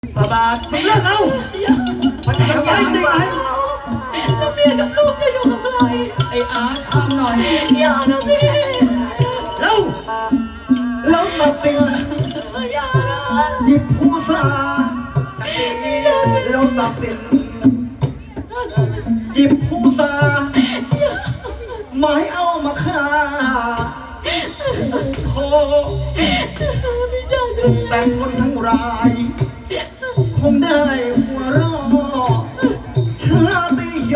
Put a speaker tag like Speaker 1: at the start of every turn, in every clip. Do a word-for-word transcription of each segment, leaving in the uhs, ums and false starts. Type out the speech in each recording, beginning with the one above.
Speaker 1: บาบามึงเลิกเอามันจะทำร้ายจริงไหม
Speaker 2: แล้วเมียกับลูกจะอยู่กับใคร
Speaker 1: ไอ้อาร์ตห้ามหน่อย
Speaker 2: อย่านะพี่
Speaker 1: แล้วแล้วตัดสิน
Speaker 2: อย่านะ
Speaker 1: หยิบผู้สาแล้วตัดสินหยิบผู้สาไม้เอามาฆ่าโคแต่คนทั้งรายคงได้หัวเราะชาติโย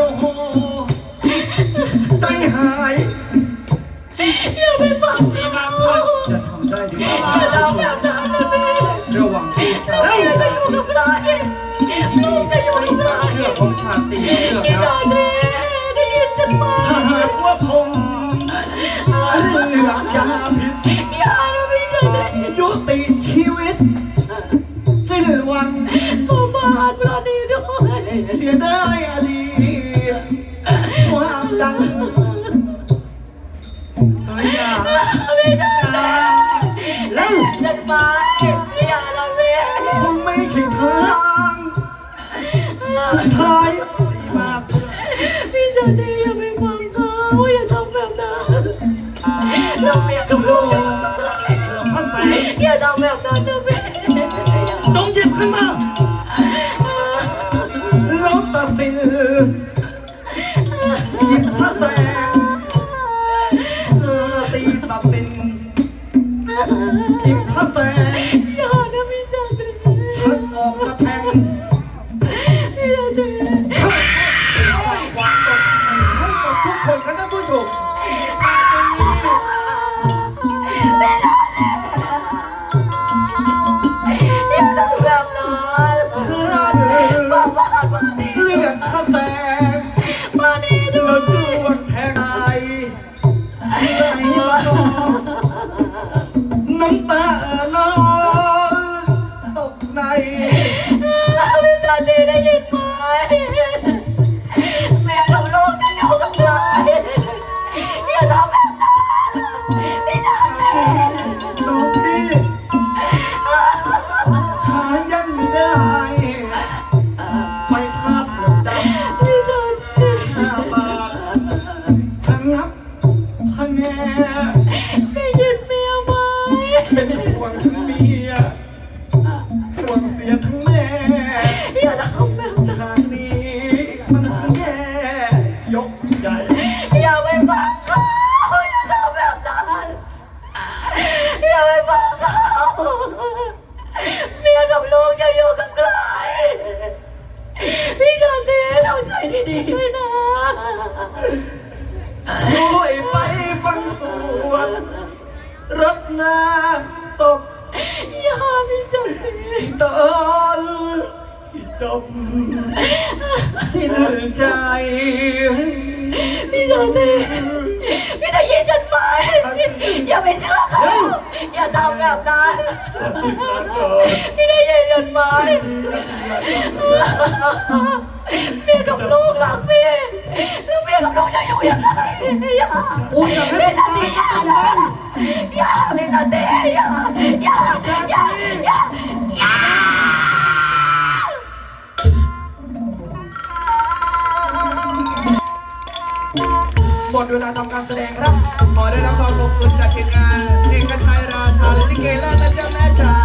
Speaker 1: ใจหาย
Speaker 2: อย่าไปฟังพี่มา
Speaker 1: จะทำได้ดีกว่า
Speaker 2: อย่าทำแบบนั้นนะพี่
Speaker 1: ระหว่างที่
Speaker 2: เราจะอยู่กับใครลูกจะอยู่กับใคร
Speaker 1: เรื่องของชาติเรื่อง
Speaker 2: พี่ชาติได้ยินฉันไหม
Speaker 1: ถ้าหากว่าผมเลือกยาพิษ
Speaker 2: อย่านะพี่ชาติ
Speaker 1: ยุติชีวิตสิ้นวัน
Speaker 2: ก็บาดพระดีด้วย
Speaker 1: เสียได้อดีตความดังเฮ้ยอย่า
Speaker 2: ไม่ได้
Speaker 1: แล้ว
Speaker 2: ฉันไปอย่าละเว้ย
Speaker 1: คงไม่ใช่ทางสุดท้ายดีมาก
Speaker 2: พี่ชาติอย่าไปฟังเขาอย่าทำแบบนั้นเราเมียกับลูกจะอยู่กับใครอย่าทำแบบนั้นนะพี่
Speaker 1: จงหยิบขึ้นมาแล้วตัดสินหยิบพระแสงตีตัดสินหยิบพระแสง
Speaker 2: อย่านะพี่ชาติ
Speaker 1: ชักออกมาแทง
Speaker 2: พี่ชาติ
Speaker 1: ให้กับทุกคนกันนะผู้ชม
Speaker 2: อย่าทำแบบนั้นมาบ้านมาดี
Speaker 1: เลือดพระแสง
Speaker 2: มาดีด้ว
Speaker 1: แล้วจ
Speaker 2: ย
Speaker 1: วนแทงใจไหลมาน้องน้ำตาน้องตกใน
Speaker 2: พี่ชาติได้ยินไหมแม่กับลูกจะอยู่กับใครอย่าทำแบบนั้นพี่ชาติ
Speaker 1: น้องพี่ขายันไม่ได้ไฟคาบเลือดดำ
Speaker 2: พี่ชาติ
Speaker 1: ห้าบาททั้งนับทั้งแง่
Speaker 2: ได้ยินเมียไหม
Speaker 1: เป็นห่วงทั้งเมียห่วงเสียทั้งแม่
Speaker 2: อย่าทำแบบนั้น
Speaker 1: ทางนี้มันแย่ยกใหญ่
Speaker 2: อย่าไปฟังเขาอย่าทำแบบนั้นอย่าไปฟังเขาเมียกับลูกจะอยู่กับใครพี่ชาติทำใจดีๆด้วยนะ
Speaker 1: ช่วยไปฟังสวดรดน้ำศพ
Speaker 2: อย่าพี่ชาติ
Speaker 1: ตอนที่จมสิ้นใจ
Speaker 2: พี่ชาติพี่ได้ยินฉันไหมอย่าไปเชื่อเขาอย่าทำแบบนั้นพี่ได้ยินฉันไหมเมียกับลูกรักพี่แล้วเมียกับลูกจะอยู่ยังไงอย่าพี่ชาติอย่าพี่ชาติอย่าอย่าอย่าอย่าอย่า
Speaker 3: หมดเวลาทำการแสดงครับขอได้รับความขอบคุณจากทีมงานเอกชัยราชาและลิเกและนะจ๊ะแม่จ๋า